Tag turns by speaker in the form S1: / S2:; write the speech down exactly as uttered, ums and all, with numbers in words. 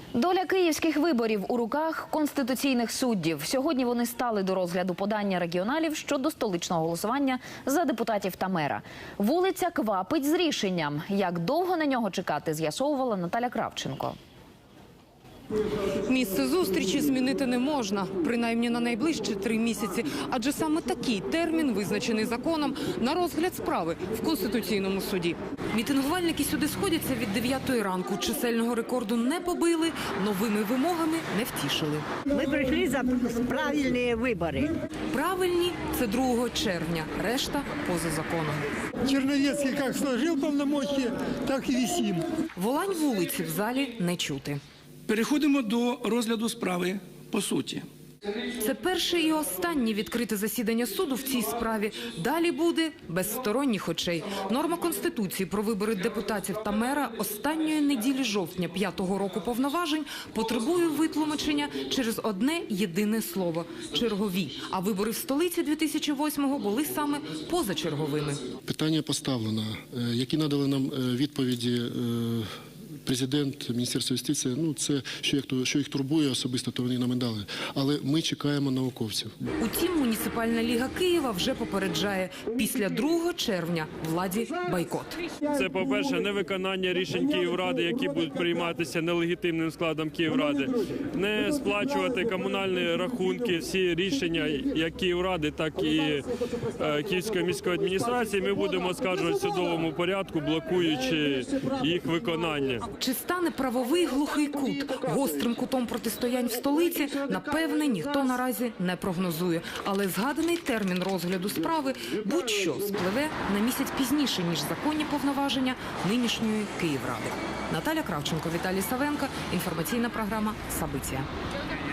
S1: Доля київських виборів у руках конституційних суддів. Сьогодні вони стали до розгляду подання регіоналів щодо столичного голосування за депутатів та мера. Вулиця квапить з рішенням. Як довго на нього чекати, з'ясовувала Наталя Кравченко.
S2: Місце зустрічі змінити не можна, принаймні на найближчі три місяці. Адже саме такий термін, визначений законом, на розгляд справи в Конституційному суді. Мітингувальники сюди сходяться від дев'ятої ранку. Чисельного рекорду не побили, новими вимогами не втішили.
S3: Ми прийшли за правильні вибори.
S2: Правильні – це другого червня, решта – поза законом.
S4: Черновецкий как сложил полномочия, так и висим.
S2: Волань вулиці в залі не чути.
S5: Переходимо до розгляду справи по суті.
S2: Це перше і останнє відкрите засідання суду в цій справі. Далі буде без сторонніх очей. Норма Конституції про вибори депутатів та мера останньої неділі жовтня п'ятого року повноважень потребує витлумачення через одне єдине слово – чергові. А вибори в столиці дві тисячі восьмого були саме позачерговими.
S6: Питання поставлено. Які надали нам відповіді Президент, Міністерство юстиції, ну це, що їх, що їх турбує особисто, то вони нам і дали. Але ми чекаємо науковців.
S2: Утім, Муніципальна ліга Києва вже попереджає, після другого червня владі бойкот.
S7: Це, по-перше, невиконання рішень Київради, які будуть прийматися нелегітимним складом Київради. Не сплачувати комунальні рахунки, всі рішення як Київради, так і е, Київської міської адміністрації ми будемо оскаржувати в судовому порядку, блокуючи їх виконання.
S2: Чи стане правовий глухий кут гострим кутом протистоянь в столиці, напевне, ніхто наразі не прогнозує. Але згаданий термін розгляду справи будь-що спливе на місяць пізніше, ніж законні повноваження нинішньої Київради. Наталя Кравченко, Віталій Савенко. Інформаційна програма «Сабиття».